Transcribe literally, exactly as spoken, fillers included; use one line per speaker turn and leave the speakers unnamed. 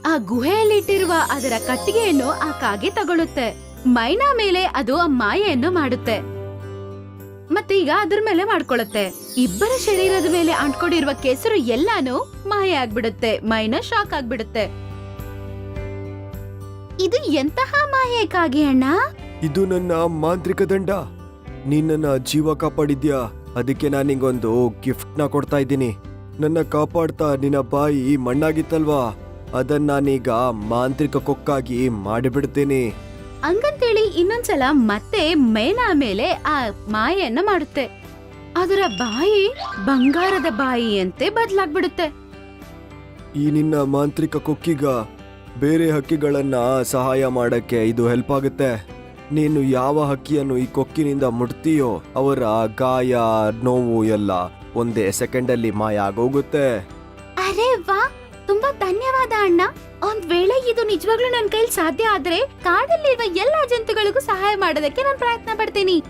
ಆ ಗುಹೆಯಲ್ಲಿಟ್ಟಿರುವ ಅದರ ಕಟ್ಟಿಗೆಯನ್ನು ಆ ಕಾಗೆ ತಗೊಳುತ್ತೆ. ಮೈನಾ ಮೇಲೆ ಅದು ಆ ಮಾಯೆಯನ್ನು ಮಾಡುತ್ತೆ ಮತ್ತೆ ಈಗ ಅದ್ರ ಮೇಲೆ ಮಾಡ್ಕೊಳತ್ತೆ. ಇಬ್ಬರ ಶರೀರದ ಮೇಲೆ ಅಂಟ್ಕೊಂಡಿರುವ ಕೆಸರು ಎಲ್ಲಾನು ಮಾಯ ಆಗ್ಬಿಡುತ್ತೆ. ಮೈನಾ ಶಾಕ್ ಆಗ್ಬಿಡುತ್ತೆ. ಇದು ಎಂತಹ ಮಾಯೆ ಕಾಗೆ ಅಣ್ಣ?
ಇದು ನನ್ನ ಮಾಂತ್ರಿಕ ದಂಡ. ನೀನ್ ನನ್ನ ಜೀವ ಕಾಪಾಡಿದ್ಯಾ, ಅದಕ್ಕೆ ನಾನು ನಿಂಗೊಂದು ಗಿಫ್ಟ್ ನ ಕೊಡ್ತಾ ಇದ್ದೀನಿ. ನನ್ನ ಕಾಪಾಡ್ತಾ ನಿನ್ನ ಬಾಯಿ ಮಣ್ಣಾಗಿತ್ತಲ್ವಾ, ಅದನ್ನ ನಾನೀಗ ಮಾಂತ್ರಿಕ ಕೊಕ್ಕಾಗಿ ಮಾಡಿಬಿಡ್ತೀನಿ.
ಹಂಗಂತೇಳಿ ಇನ್ನೊಂದ್ಸಲ ಮತ್ತೆ ಮೈನಾ ಮೇಲೆ ಆ ಮಾಯೆಯನ್ನ ಮಾಡುತ್ತೆ. ಅದರ ಬಾಯಿ ಬಂಗಾರದ ಬಾಯಿಯಂತೆ ಬದಲಾಗ್ಬಿಡುತ್ತೆ.
ಈ ನಿನ್ನ ಮಾಂತ್ರಿಕ ಕೊಕ್ಕಿಗ ಬೇರೆ ಹಕ್ಕಿಗಳನ್ನ ಸಹಾಯ ಮಾಡಕ್ಕೆ ಇದು ಹೆಲ್ಪ್ ಆಗುತ್ತೆ. ನೀನು ಯಾವ ಹಕ್ಕಿಯನ್ನು ಈ ಕೊಕ್ಕಿನಿಂದ ಮುಟ್ತೀಯೋ ಅವರ ಗಾಯ ನೋವು ಎಲ್ಲ ಒಂದೇ ಸೆಕೆಂಡ್ ಅಲ್ಲಿ ಮಾಯ ಆಗೋಗುತ್ತೆ.
ಅರೆ ವಾ, ತುಂಬಾ ಧನ್ಯವಾದ ಅಣ್ಣ. ಒಂದ್ ವೇಳೆ ಇದು ನಿಜವಾಗ್ಲೂ ನನ್ ಕೈಲಿ ಸಾಧ್ಯ ಆದ್ರೆ ಕಾಡಲ್ಲಿರುವ ಎಲ್ಲಾ ಜಂತುಗಳಿಗೂ ಸಹಾಯ ಮಾಡೋದಕ್ಕೆ ನಾನು ಪ್ರಯತ್ನ ಪಡ್ತೀನಿ.